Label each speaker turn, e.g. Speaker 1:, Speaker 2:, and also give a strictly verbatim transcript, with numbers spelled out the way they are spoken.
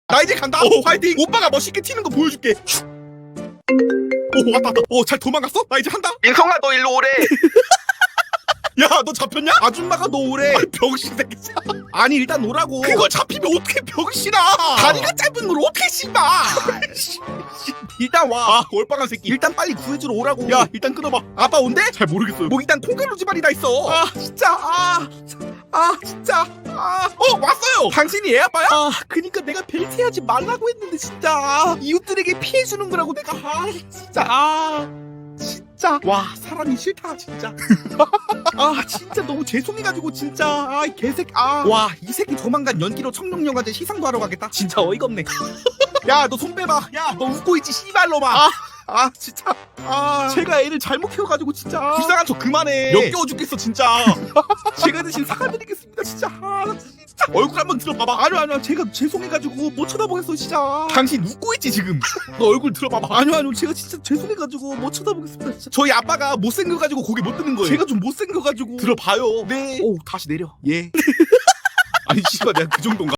Speaker 1: 나 이제 간다. 오, 화이팅. 오빠가 멋있게 튀는 거 보여줄게. 오, 왔다 왔다. 오, 잘 도망갔어? 나 이제 한다.
Speaker 2: 민성아 너 일로 오래.
Speaker 1: 야, 너 잡혔냐? 아줌마가 너 오래. 아니, 병신 새끼. 아니, 일단 오라고. 그걸 잡히면 어떻게 병신아? 다리가 짧은 걸 어떻게 씹어? 일단 와. 아, 얼빵한 새끼. 일단 빨리 구해주러 오라고. 야, 일단 끊어봐. 아빠 온대? 잘 모르겠어요. 뭐 일단 통갈로 집안이 다 있어. 아, 진짜. 아, 아, 진짜. 아, 어, 왔어요. 당신이 애 아빠야? 아, 그니까 내가 벨트하지 말라고 했는데 진짜. 아, 이웃들에게 피해 주는 거라고 내가. 아, 진짜. 아. 진짜 와 사람이 싫다 진짜. 아 진짜 너무 죄송해가지고 진짜. 아 개새끼. 아와 이 새끼 조만간 연기로 청룡영화제 시상도 하러 가겠다. 진짜 어이가 없네. 야 너 손 빼봐. 야 너 웃고 있지 씨발로마. 아, 아 진짜. 아 제가 애를 잘못 키워가지고 진짜. 불쌍한 척 그만해. 역겨워 죽겠어 진짜. 제가 대신 사과드리겠습니다 진짜. 아 진짜 얼굴 한번 들어봐봐. 아니요 아니요 제가 죄송해가지고 못 쳐다보겠어 진짜. 당신 웃고 있지 지금. 너 얼굴 들어봐봐. 아니요 아니요 제가 진짜 죄송해가지고 못 쳐다보겠습니다 진짜. 저희 아빠가 못생겨가지고 고개 못 드는 거예요. 제가 좀 못생겨가지고. 들어봐요. 네. 오 다시 내려. 예. 아니 씨발 내가 그 정도인가?